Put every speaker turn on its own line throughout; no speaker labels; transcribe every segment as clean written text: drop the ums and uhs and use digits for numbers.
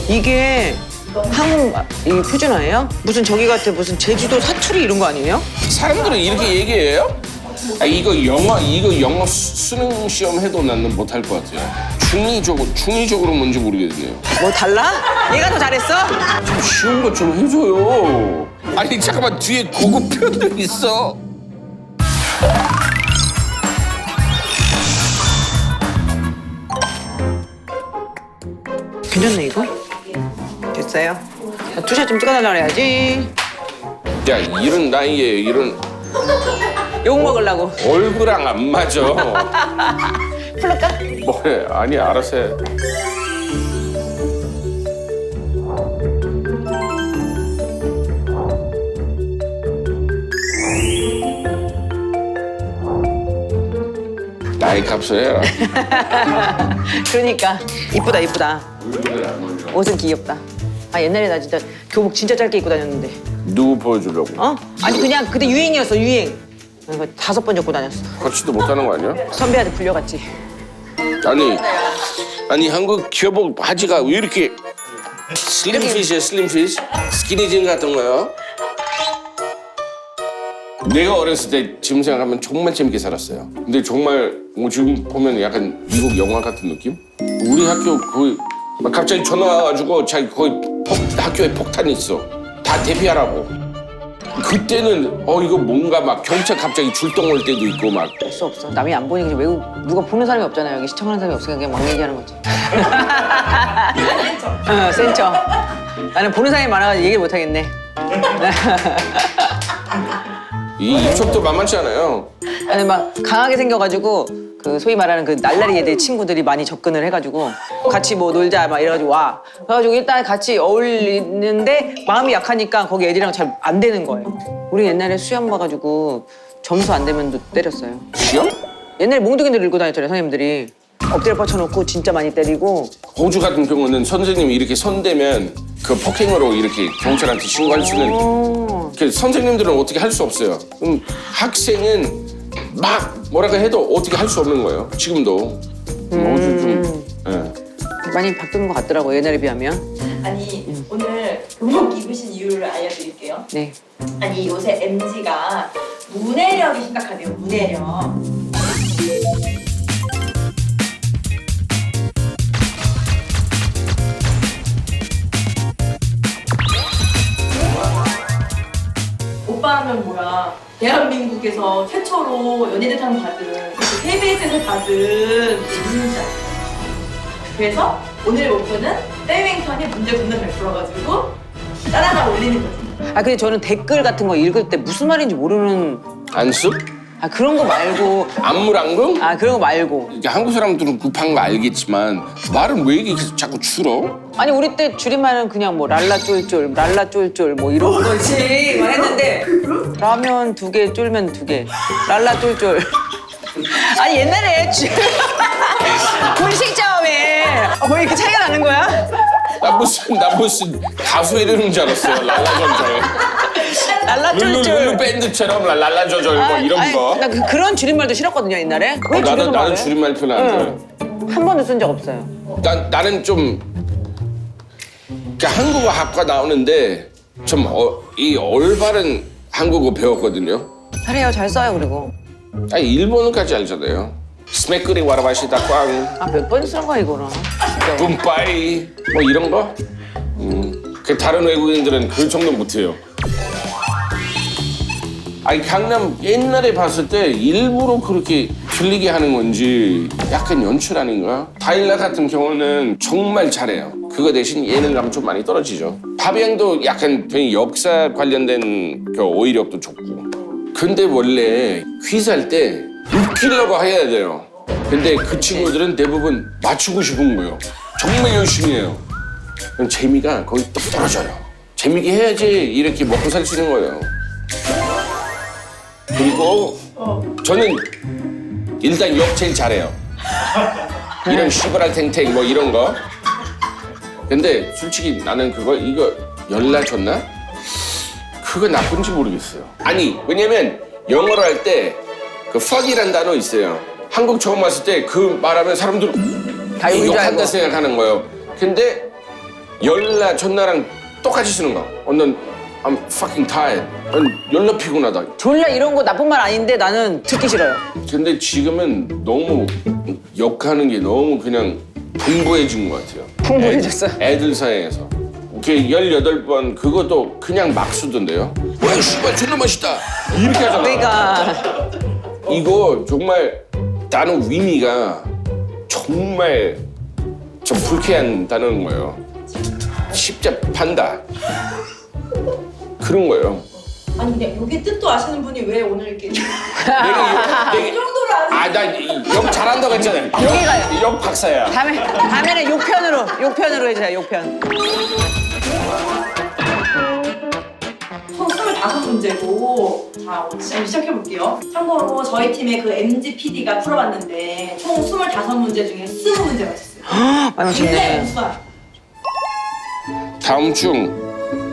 이게 한국 이 표준어예요? 무슨 저기 같아 무슨 제주도 사투리 이런 거 아니에요?
사람들은 이렇게 얘기해요? 아, 이거 영어 수능 시험 해도 나는 못할 것 같아요. 중의적으로 뭔지 모르겠네요.
뭐 달라? 얘가 더 잘했어?
좀 쉬운 거 좀 해줘요. 아니 잠깐만 뒤에 고급 표현도 있어.
괜찮네 이거? 됐어요. 투샷 좀 찍어달라 그래야지.
야 이런 나이에 이런
욕 먹으려고.
얼굴랑 안 맞아.
풀을까?
뭐해? 아니 알아서 해. 나이 값을 해라.
그러니까 이쁘다 이쁘다. 옷은 귀엽다. 아 옛날에 나 진짜 교복 진짜 짧게 입고 다녔는데.
누구 보여주려고?
어? 아니 그냥 그때 유행이었어 유행. 이거 5번 접고 다녔어.
거치도 못하는 거 아니야?
선배한테 불려갔지.
아니 한국 교복 바지가 왜 이렇게 슬림핏이야 슬림핏? 스키니진 같은 거요? 내가 어렸을 때 지금 생각하면 정말 재밌게 살았어요. 근데 정말 뭐 지금 보면 약간 미국 영화 같은 느낌? 우리 학교 거의 막 갑자기 전화 와가지고 자기 거의 학교에 폭탄이 있어. 다 대피하라고. 그때는 이거 뭔가 막 경찰 갑자기 출동 올 때도 있고 막.
없어 없어. 남이 안 보니 그냥 외국 누가 보는 사람이 없잖아요. 여기 시청하는 사람이 없으니까 그냥 막 얘기하는 거지. 센 척. 나는 보는 사람이 많아가지고 얘기를 못 하겠네.
이 입속도 만만치 않아요.
아니 막 강하게 생겨가지고 그 소위 말하는 그 날라리 애들 친구들이 많이 접근을 해가지고 같이 뭐 놀자 막 이래가지고 와. 그래가지고 일단 같이 어울리는데 마음이 약하니까 거기 애들이랑 잘 안 되는 거예요. 우리 옛날에 수염 봐가지고 점수 안 되면 때렸어요.
시험?
옛날에 몽둥이들 들고 다녔잖아요 선생님들이. 엎드려 뻗쳐놓고 진짜 많이 때리고.
호주 같은 경우는 선생님이 이렇게 손대면 그 폭행으로 이렇게 경찰한테 신고할 수 있는. 그 선생님들은 어떻게 할 수 없어요. 그럼 학생은 막 뭐라고 해도 어떻게 할 수 없는 거예요. 지금도. 호주 좀. 예.
많이 바뀐 것 같더라고 옛날에 비하면.
아니 오늘 교복 입으신 이유를 알려드릴게요.
네.
아니 요새 MZ가 문해력이 심각하대요. 문해력. 오빠는 뭐야? 대한민국에서 최초로 연예대상 받은 KBS에서 받은 인자. 그래서 오늘 목표는 땡땡턴이 문제 붙는 100%가지고 따라가 올리는 거지.
아 근데 저는 댓글 같은 거 읽을 때 무슨 말인지 모르는.
안습?
아 그런 거 말고.
안물안금?
아 그런 거 말고.
이게 한국 사람들은 급한 거 알겠지만 말은 왜 이렇게 자꾸 줄어?
아니 우리 때 줄임말은 그냥 뭐 랄라 쫄쫄, 랄라 쫄쫄 뭐 이런 거지 막 했는데 라면 2개, 쫄면 2개, 랄라 쫄쫄. 아니 옛날에 분식점에 뭐 이렇게 차이가 나는 거야?
나 무슨 가수 이러는 줄 알았어요. 랄라저절.
랄라
룰루
쫄쫄.
밴드처럼 랄라저절 뭐 이런 거.
나 그런 줄임말도 싫었거든요 옛날에. 왜 줄여서
나는
말해?
줄임말 표현 안 좋아해.
한 번도 쓴 적 없어요.
나는 좀 그러니까 한국어 학과 나오는데 좀 이 올바른 한국어 배웠거든요.
잘해요 잘 써요 그리고.
아니 일본어까지 알잖아요. 스메크리 와라바시다 꽝,
아 몇 번 쓴 거야 이거는. 진짜.
붐빠이 뭐 이런 거. 그 다른 외국인들은 그 정도 못해요. 아니 강남 옛날에 봤을 때 일부러 그렇게 들리게 하는 건지 약간 연출 아닌가? 다일라 같은 경우는 정말 잘해요. 그거 대신 예능감 좀 많이 떨어지죠. 파비앙도 약간 되게 역사 관련된 그 어휘력도 좋고. 근데 원래 퀴즈 할 때 웃기려고 해야 돼요. 근데 그 친구들은 대부분 맞추고 싶은 거예요. 정말 열심히 해요. 그럼 재미가 거의 뚝 떨어져요. 재미있게 해야지 이렇게 먹고 살 수 있는 거예요. 그리고 저는 일단 욕 제일 잘해요. 이런 시벌할 탱탱 뭐 이런 거. 근데 솔직히 나는 이거 연락 줬나? 그거 나쁜지 모르겠어요. 아니 왜냐면 영어로 할 때 그 fuck이란 단어 있어요. 한국 처음 왔을 때 그 말하면 사람들
다 욕인 줄
욕한다
알고.
생각하는 거예요. 근데 열나 전나랑 똑같이 쓰는 거. 넌 I'm fucking tired. 난 열나 피곤하다.
졸라 이런 거 나쁜 말 아닌데 나는 듣기 싫어요.
근데 지금은 너무 욕하는 게 너무 그냥 풍부해진 것 같아요.
풍부해졌어.
애들 사이에서. 이렇게 18번 그것도 그냥 막 쓰던데요. 와, 씨발 존나 맛있다. 이렇게 하잖아.
그러니까
이거 정말 단어 의미가 정말 좀 불쾌한 단어인 거예요. 십자판다. 그런 거예요.
아니 근데 여기 뜻도 아시는 분이 왜 오늘 이렇게 이
내가
정도로 아는
나 욕 잘한다고 했잖아요.
여기가요.
욕 박사야.
다음에는 욕편으로 해주세요. 욕편.
총 25문제고 자 지금 시작해볼게요. 참고로 저희 팀의 그 MG PD가 풀어봤는데 총 25문제 중에 20문제 맞췄어요.
많이
굉장히
맞췄네.
우수한.
다음 중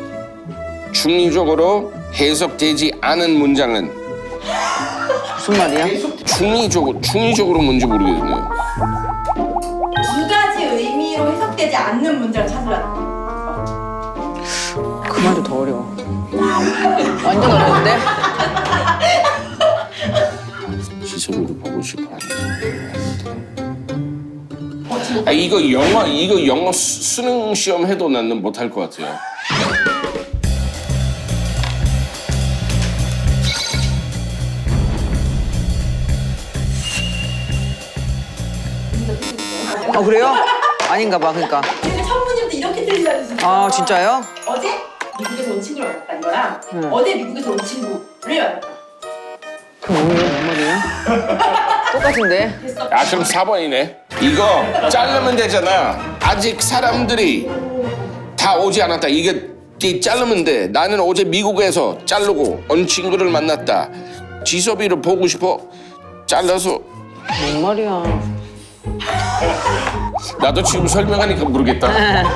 중의적으로 해석되지 않은 문장은
무슨 말이야?
중의적으로 뭔지 모르겠네요.
두 가지 의미로 해석되지 않는 문장을 찾으라는 거예요.
그 말도 더 어려워. 완전 어려운데?
지속으로 보고 싶어. 이거 영어 수능 시험 해도 나는 못할 것 같아요.
그래요? 아닌가 봐. 그러니까.
근데 첫 문제부터 이렇게 들리다니 진짜.
아 진짜요?
어제 미국에서 온 친구를 만났다 이거랑
응.
어제 미국에서 온 친구를 만났다.
그럼 뭐예요? 뭔 말이에요? 똑같은데?
됐어.
그럼 4번이네. 이거 자르면 되잖아. 아직 사람들이 다 오지 않았다. 이게 자르면 돼. 나는 어제 미국에서 자르고 온 친구를 만났다. 지섭이를 보고 싶어. 잘라서.
뭔 말이야?
나도 지금 설명하니까 모르겠다.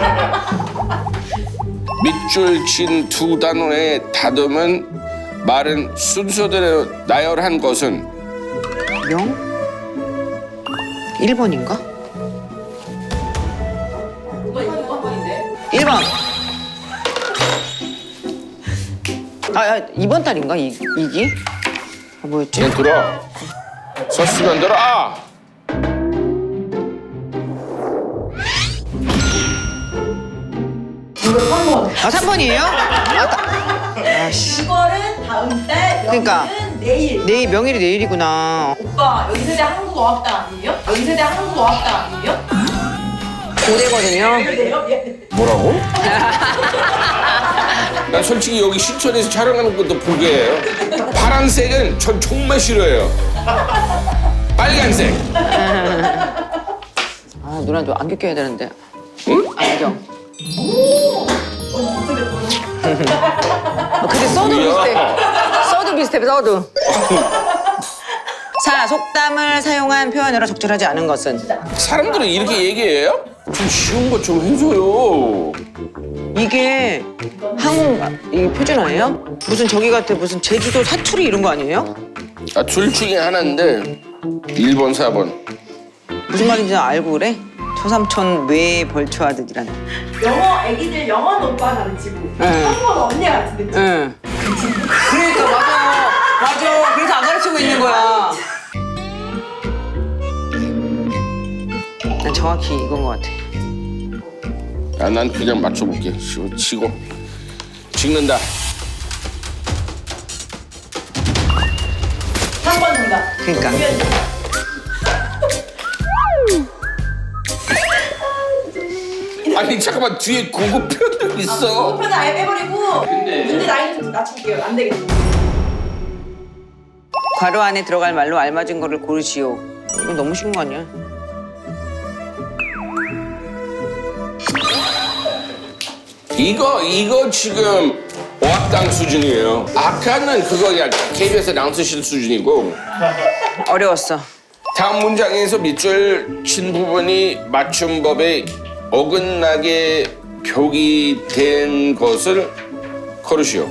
밑줄 친 두 단어의 다듬은 말은 순서대로 나열한 것은
0? 1번인가?
이거 한 번인데.
1번. 2번 달인가? 이기? 뭐였지?
그냥 들어. 서스면 들어.
이거 3번.
3번이에요? 아씨.
이거는 다음 달, 여기는
그러니까.
내일.
명일이 내일이구나.
오빠 연세대 한국어학당 아니에요? 연세대 한국어학당 아니에요?
고대거든요.
그래요?
뭐라고? 난 솔직히 여기 신촌에서 촬영하는 것도 포기해요. 파란색은 전 정말 싫어해요. 빨간색.
누나 좀 안경 껴야 되는데. 안경. 근데 써도 비슷해. 써도. 자, 속담을 사용한 표현으로 적절하지 않은 것은?
사람들은 이렇게 얘기해요? 좀 쉬운 거 좀 해줘요.
이게 이게 표준어예요? 무슨 저기 같아 무슨 제주도 사투리 이런 거 아니에요?
둘 중에 하나인데 1번, 4번.
무슨 말인지 알고 그래? 초삼촌 뇌에 벌초하듯이란.
영어 애기들 영어는 오빠가 가르치고
응.
한국어는 언니가 가르치는 거지.
응. 그러니까 맞아. 그래서 안 가르치고 있는 거야. 난 정확히 이건 것 같아.
난 그냥 맞춰볼게. 치고 찍는다.
3번 정답.
그러니까.
아니 잠깐만 뒤에 고급표도 있어.
목표는 아예 빼버리고 문제 나이 좀 낮출게요. 안 되겠어.
괄호 안에 들어갈 말로 알맞은 거를 고르시오. 이거 너무 쉬운 거 아니야?
이거 지금 어학당 수준이에요. 아까는 그거야 KBS 아나운서실 수준이고.
어려웠어.
다음 문장에서 밑줄 친 부분이 맞춤법에 어긋나게 표기된 것을 걸으시오.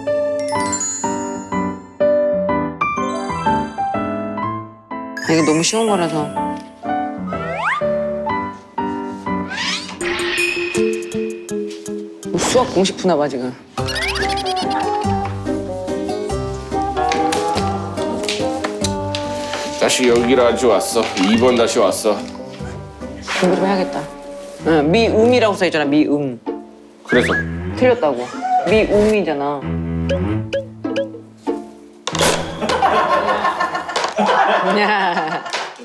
이거 너무 쉬운 거라서. 수학 공식 푸나 봐 지금.
다시 여기로 아주 왔어. 2번 다시 왔어.
공부 좀 해야겠다. 응, 미음이라고 써있잖아. 미음.
그래서
틀렸다고. 미음이잖아. 야.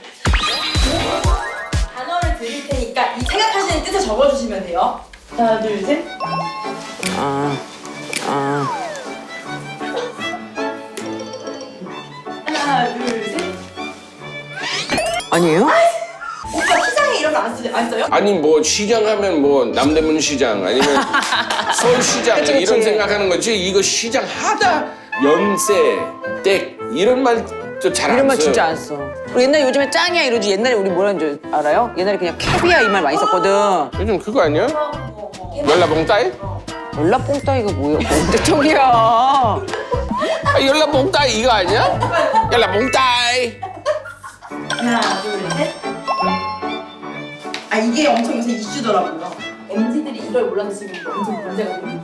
단어를 드릴 테니까 이 생각하시는 뜻을 적어주시면 돼요. 하나, 둘, 셋.
아.
하나, 둘, 셋.
아니에요?
오빠 시장에 이런 거 안 써요?
아니 뭐 시장 하면 뭐 남대문 시장 아니면 서울시장
그치, 그치.
이런 생각하는 거지. 이거 시장 하다 연세 댁 이런 말도 잘 안
이런 말
써요.
진짜 안 써. 우리 옛날에 요즘에 짱이야 이러지. 옛날에 우리 뭐라는 줄 알아요? 옛날에 그냥 캐비야 이 말 많이 썼거든.
요즘 그거 아니야? 열라봉따이?
연락뽕따이가 뭐야? 언제 쪽이야?
아, 열라봉따이 이거 아니야? 열라봉따이.
하나, 둘, 셋. 아 이게 엄청 요새 이슈더라고요. MZ들이 이걸 몰라서 지금 엄청 문제가 됩니다.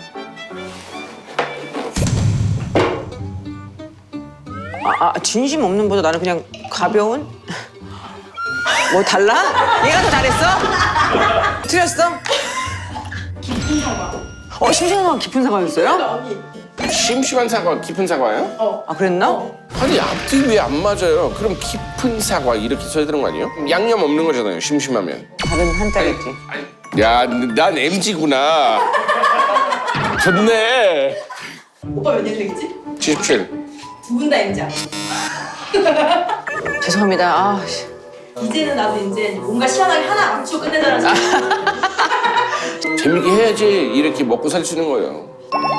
진심 없는 보다 나는 그냥 가벼운? 뭐 달라? 얘가 더 잘했어? 틀렸어?
깊은 사과.
심심한 깊은 사과였어요?
언니.
심심한 사과 깊은 사과예요?
아 그랬나?
아니 앞뒤 왜 안 맞아요? 그럼 깊은 사과 이렇게 써야 되는 거 아니에요? 양념 없는 거잖아요. 심심하면.
다른 한자겠지.
야, 난 MG구나. 좋네.
오빠 몇 년생이지?
77.
두 분 다 MZ야.
죄송합니다. 아, 씨.
이제는 나도 이제 뭔가 시원하게 하나 맞추고 끝내자는
재밌게 해야지 이렇게 먹고 살 수 있는 거예요.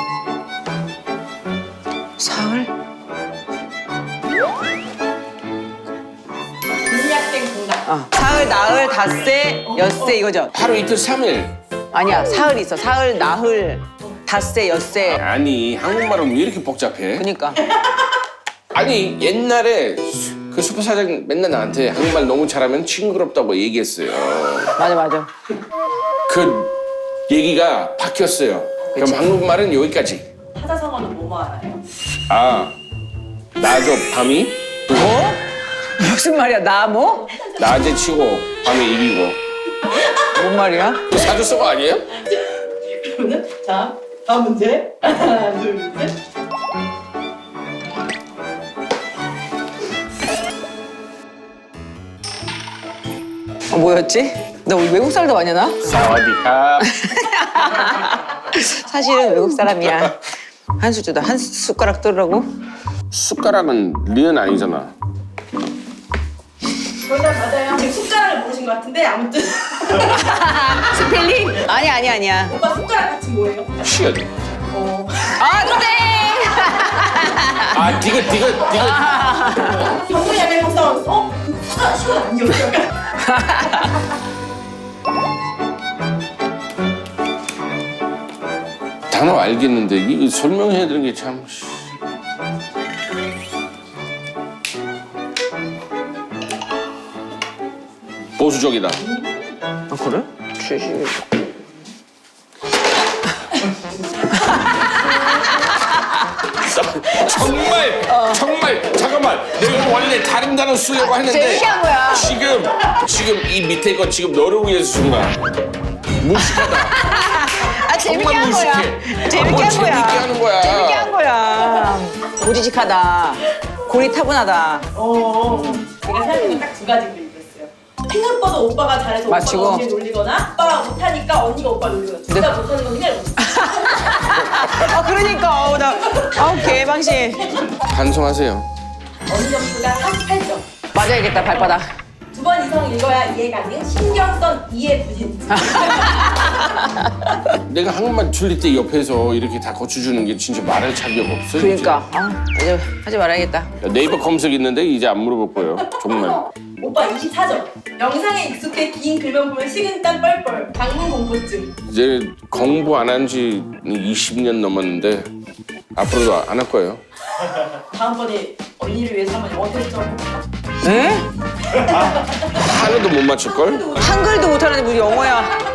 사흘?
분약된 공간.
사흘, 나흘, 닷새, 엿새 이거죠?
하루 이틀 3일.
아니야, 사흘 있어. 사흘, 나흘, 닷새, 엿새.
아니 한국말은 왜 이렇게 복잡해?
그니까.
아니 옛날에 그 슈퍼 사장 맨날 나한테 한국말 너무 잘하면 징그럽다고 얘기했어요.
맞아.
그 얘기가 바뀌었어요. 그럼
그치.
한국말은 여기까지.
사자성어는 뭐뭐 알아요?
아, 나저 밤이
뭐? 무슨 말이야? 나 뭐?
낮에 치고 밤에 이기고.
뭔 말이야?
그 사주서가 아니에요?
그러면 자 다음 문제. 하나, 둘, 셋.
뭐였지? 나 우리 외국 살다 왔냐나?
사와디카.
사실은 외국 사람이야. 한 수 주다. 한 숟가락 뜨라고?
숟가락은 리은 아니잖아.
정답 맞아요. 지금 숟가락을 모르신 것 같은데 아무튼
스펠링? 아니야.
오빠 숟가락 같이 뭐예요?
시읒.
땡!
아 디귿.
정말 약간 박사원. 숟가락 시간 아니었어요?
단어 알겠는데 이거 설명해야 되는 게 참. 보수적이다.
아, 그래?
정말 잠깐만. 내가 원래 다른 단어 쓰려고 했는데
재밌게 한 거야.
지금 이 밑에 거 지금 너를 위해서 쓴 거야. 무식하다.
재밌게
정말
한 거야.
무식해.
재밌게
뭘
한
재밌게
거야.
하는 거야.
재밌게 한 거야. 고지식하다. 고리타분하다.
제가 생각하는 딱 두 가지 그림이었어요. 생각보다 오빠가 잘해서
맞추고.
오빠가 언니를 놀리거나 오빠가 못하니까 언니가 오빠를 놀리거나 둘 다 못하는 건 그냥
그러니까. 개방신.
반성하세요.
언니 점수가 48점.
맞아야겠다, 발바닥.
두 번 이상 읽어야 이해 가능. 신경성 이해 부진.
내가 한국말 틀릴 때 옆에서 이렇게 다 고쳐주는 게 진짜 말할 자격 없어.
그러니까. 이제 하지 말아야겠다.
진짜. 네이버 검색 있는데 이제 안 물어볼 거예요. 정말.
오빠 24점. 영상에 익숙해 긴 글만 보면 식은땀 뻘뻘. 방문 공포증.
이제 공부 안 한 지 20년 넘었는데 앞으로도 안 할 거예요.
다음번에 언니를 위해서 한번 영어 테스트 한번 해볼까?
에?
하나도 못 맞출 걸?
한글도 못하는데 무슨 영어야.